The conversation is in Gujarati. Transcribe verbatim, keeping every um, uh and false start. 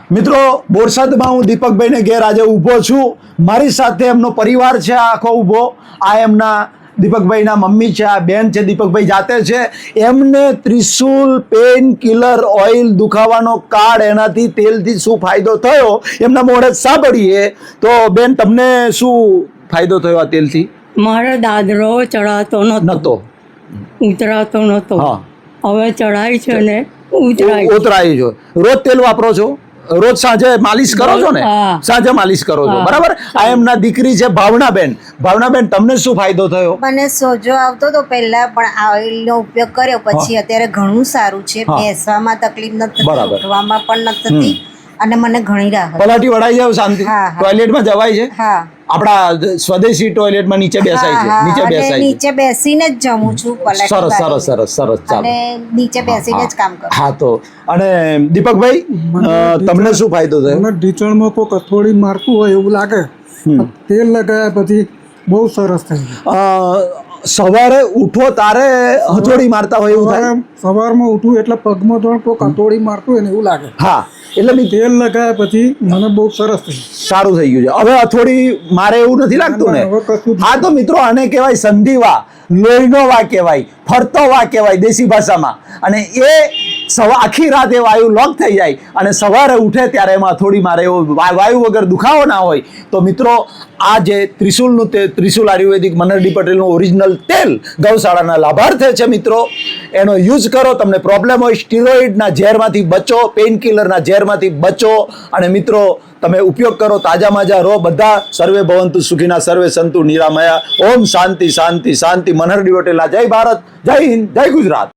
મિત્રો બોરસદમાં હું દીપકભાઈને ઘેર આજે ઊભો છું. મારી સાથે એમનો પરિવાર છે આખો ઊભો. આ એમના દીપકભાઈના મમ્મી છે, આ બેન છે, દીપકભાઈ જાતે છે. એમને ત્રિશુલ પેન કિલર ઓઇલ દુખાવાનો કાર્ડ એનાથી તેલથી શું ફાયદો થયો એમના મોઢે સાંભળીએ. તો બેન, તમને શું ફાયદો થયો આ તેલથી? મારો દાદરો ચડાતો નતો, ઉતરાતો નતો. હા, હવે ચડાય છે ને ઉતરાય. ઉતરાય છો. રોજ તેલ વાપરો છો? રોજ સાંજે માલિશ કરો છો ને? હા. સાંજે માલિશ કરો છો, હા. બરાબર. આ એમના દીકરી છે ભાવનાબેન. ભાવનાબેન, તમને શું ફાયદો થયો? મને સોજો આવતો તો પહેલા, પણ ઓઇલનો ઉપયોગ કર્યો પછી અત્યારે ઘણું સારું છે. હા. બેસવામાં તકલીફ નથી બરાબર. થતી, ઉઠવામાં પણ નથી થતી, અને મને ઘણી રાહત. પલાટી વળાઈ જાવ શાંતિ. હા, હા. ટોયલેટમાં જવાય છે? હા આપણા સ્વદેશી ટોયલેટમાં નીચે બેસાય છે, હા, નીચે હા, અને બેસાય છે. નીચે બેસીને જ જમું છું. પલાઠી સરસ સરસ વાળીને. સરસ સરસ. ચાલો. અને નીચે બેસીને જ કામ કરું. હા, તો અને દીપકભાઈ, અ, તમને શું ફાયદો થયો? મને ઢીચણમાં કોઈ કથોડી મારતું હોય એવું લાગે, તેલ લગાવ્યા પછી બહુ સરસ થઈ ગયું. અ, સવારે ઉઠો તારે હથોડી મારતા હોય એવું થાય? સવારે સવારમાં ઉઠું એટલે પગમાં તો કોઈ કથોડી મારતું હોય ને એવું લાગે. હા, એટલે બી તેલ લગાવ્યા પછી મને બહુ સરસ થઈ ગયું. સારું થઈ ગયું છે. હવે હથોડી મારે એવું નથી લાગતું ને? ના, હવે કશું જ હા, તો મિત્રો, આને કહેવાય સંધિવા, લોહીનો વા કહેવાય, ફરતો વા કહેવાય દેશી ભાષામાં. અને એ સવા આખી રાત એ વાયુ લોક થઈ જાય અને સવારે ઉઠે ત્યારે એમાં થોડી મારે એવો વા- વાયુ વગર દુખાવો ના હોય. તો મિત્રો, આ જે ત્રિશુલનું તે ત્રિશુલ આયુર્વેદિક મનહર ડી પટેલનું ઓરિજિનલ તેલ ગૌશાળાના લાભાર્થે છે. મિત્રો, એનો યુઝ કરો. તમને પ્રોબ્લેમ હોય, સ્ટીરોઇડના ઝેરમાંથી બચો, પેઇન કિલરના ઝેરમાંથી બચો. અને મિત્રો, તમે ઉપયોગ કરો, તાજા માજા રહો. બધા સર્વે ભવંતુ સુખીના, સર્વે સંતુ નિરામયા. ઓમ શાંતિ શાંતિ શાંતિ. મનહર ડી પટેલના જય ભારત, જય હિન્દ, જય ગુજરાત.